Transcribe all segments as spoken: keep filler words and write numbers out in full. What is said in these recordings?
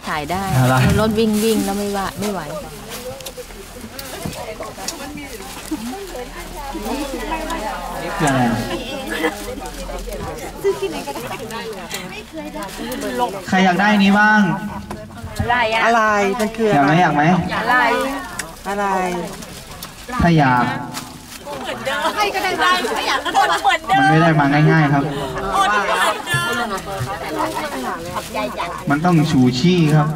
ถ่ายได้รถวิ่งวิ่งแล้วไม่ว่าไม่ไหวยังไงใครอยากได้นี้บ้างอะไรอะไรมันคืออยากไหมอยากไหมอะไรอะไรถ้าอยากให้ก็ได้ได้ไม่อยากก็ได้มันไม่ได้มาง่ายๆครับมันต้องชูชี่ครับ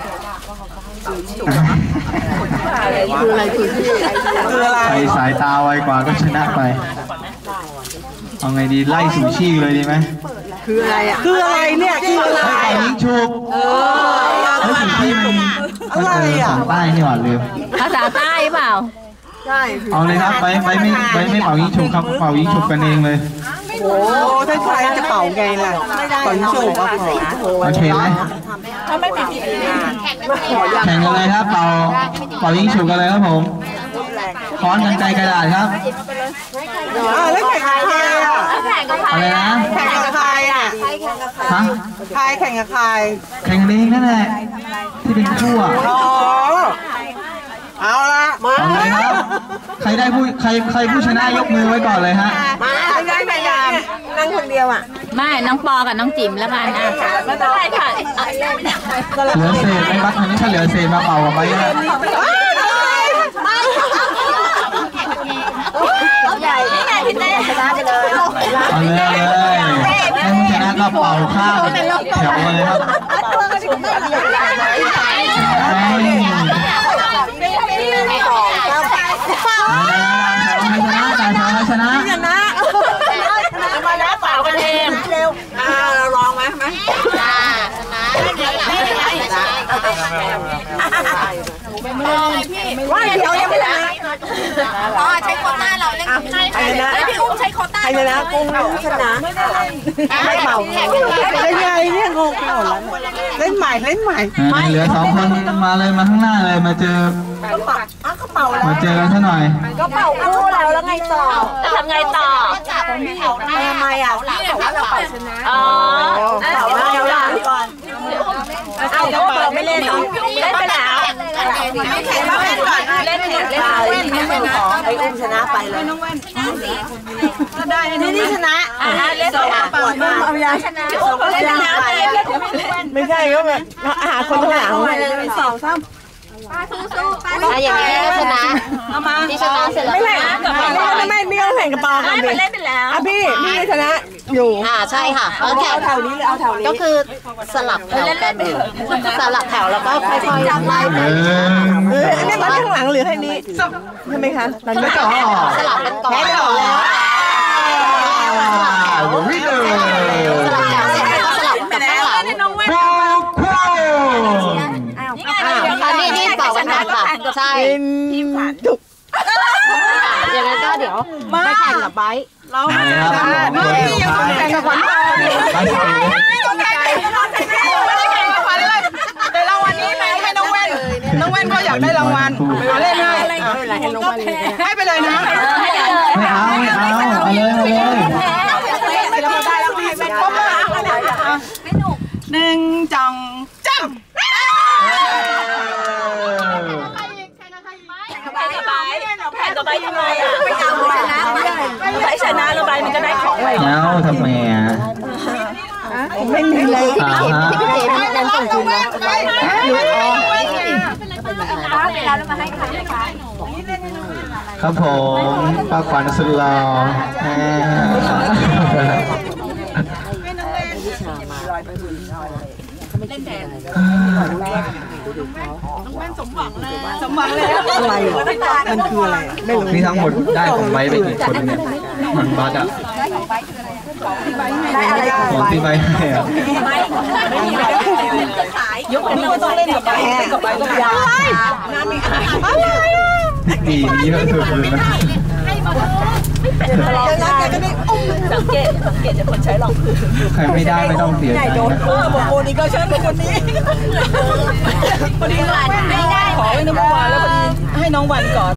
คืออะไรคือคืออะไรใครสายตาไวกว่าก็ชนะไปเอาไงดีไล่ชูชี่เลยดีไหมคืออะไรอ่ะคืออะไรเนี่ยคืออะไรยิงฉุบแล้วชูชี่มันมันเออของใต้นี่หว่าลืมภาษาใต้เปล่าใช่เอาเลยครับไปไปไม่ไปไม่เป่ายิงฉุบครับเป่ายิงฉุบกันเองเลยโอ้ถ้าใครจะเป่าไงล่ะเป่ายิงฉุบโอเคไหมถ้าไม่ปิดแข่งกันเลยครับเป่าเป่ายิงฉุบกันเลยครับผมค้อนกันไกรกระดาษครับแล้วแข่งกับใครอ่ะอะไรนะแข่งกับใครอ่ะฮะใครแข่งกับใครแข่งกันเองนั่นแหละที่เป็นคู่อ่ะเอาละมาเลยครับใครได้ผู้ใครใครผู้ชนะยกมือไว้ก่อนเลยฮะมาได้พยายามนั่งคนเดียวอ่ะไม่น้องปอกับน้องจิ๋มแล้วกันนะไม่เป็นไรค่ะเหลือเศษไหมครับอันนี้ถ้าเหลือเศษมาเป่ากับไปนะใหญ่นี่ไงพี่เต้ชนะไปเลยเอาเลยเลยให้ผู้ชนะก็เป่าข้าวแถวเลยครับชนะชนะมาแล้วเปล่ากันเองเร็วอ่าเราลองไหมไหมชนะว่าเดี๋ยวยังไม่ได้อ๋อใช้โคต้าเราเล่นใครนะพี่อุ้มใช้โคต้าใครนะกุ้งชนะไม่เป่าเล่นไงเนี่ยงงเล่นใหม่เล่นใหม่เหลือสองคนมาเลยมาข้างหน้าเลยมาเจอมาเจอกันซะหน่อยก็เป่าคู่แล้วแล้วไงต่อจะทำไงต่อทำไมอ่ะแต่ว่าเราเป่าชนะอ๋อเป่าแล้วล่ะก่อนเอาเดี๋ยวเป่าไม่เล่นหรอเล่นไปแล้วไม่แข่งเล่นก่อนเล่นเล่นเล่นเล่นไม่เป็นของไอ้อุ้มชนะไปเลยน้องแว่นก็ได้นี่นี่ชนะอ่าเล่นต่อปวดมากเอายาชนะเล่นชนะไม่ใช่ก็แบบหาคนหลังสองซ้ำป้าสู้ๆป้าอย่างนี้ก็ชนะที่ชนะเสร็จแล้วไม่ไม่ไม่ไม่ต้องแข่งกับปอกันเล่นไปแล้วอ่ะพี่พี่ชนะอยู่อ่าใช่ค่ะเอาแถวนี้เลยเอาแถวนี้ก็คือสลับแถวกันสลับแถวแล้วก็ค่อยๆจับไล่ไปเอออันนี้มันข้างหลังหรือแค่นี้ใช่ไหมคะตอนนี้ก็สลับกันก่อนแถวแล้ววิ่งเลยสลับแถวเสร็จแล้วก็สลับกับข้างหลังนี่นี่เป่ากันทันค่ะใช่ทีมผ่านจุกอย่างนั้นก็เดี๋ยวไปแข่งกับไบค์เราพี่ยังแข่งกับขวัญแต่รางวัลนี้ไหมให้น้องแว่นน้องแว่นก็อยากได้รางวัลมาเล่นให้ให้ไปเลยนะไม่เอาไม่เอาเอาเลยเอาเลยหนึ่งจังจังแข่งกับใบยังไงอ่ะไม่เอาชนะใครชนะแล้วใบมันจะได้ของอะไรแล้วทำไมอ่ะไม่มีเลยพี่พี่พี่เก๋ยังส่งคืนนะเวลาเรามาให้ใครคะครับผมป้าขวัญสุดหล่อเล่นแดงน้องแว่นสมหวังเลยสมหวังเลยอะไรมันคืออะไรไม่รู้นี่ทั้งหมดได้ของไว้ไปกี่คนเนี่ยมันบัตรอ่ะของที่ใบให้อ่ะยกนิ้วต้องเล่นกับใบกับใบกับยาอะไรพี่ตีนี่เยอะสุดเลยนะไม่เป็นอะไรนะแกก็ได้อุ้มสังเกตสังเกตจะคนใช้รองพื้นใครไม่ได้ไม่ต้องเสียใจนะบอกโอนี่ก็เชิญเป็นคนนี้พอดีน้องวันไม่ได้ขอไว้น้องวันแล้วพอดีให้น้องวันก่อน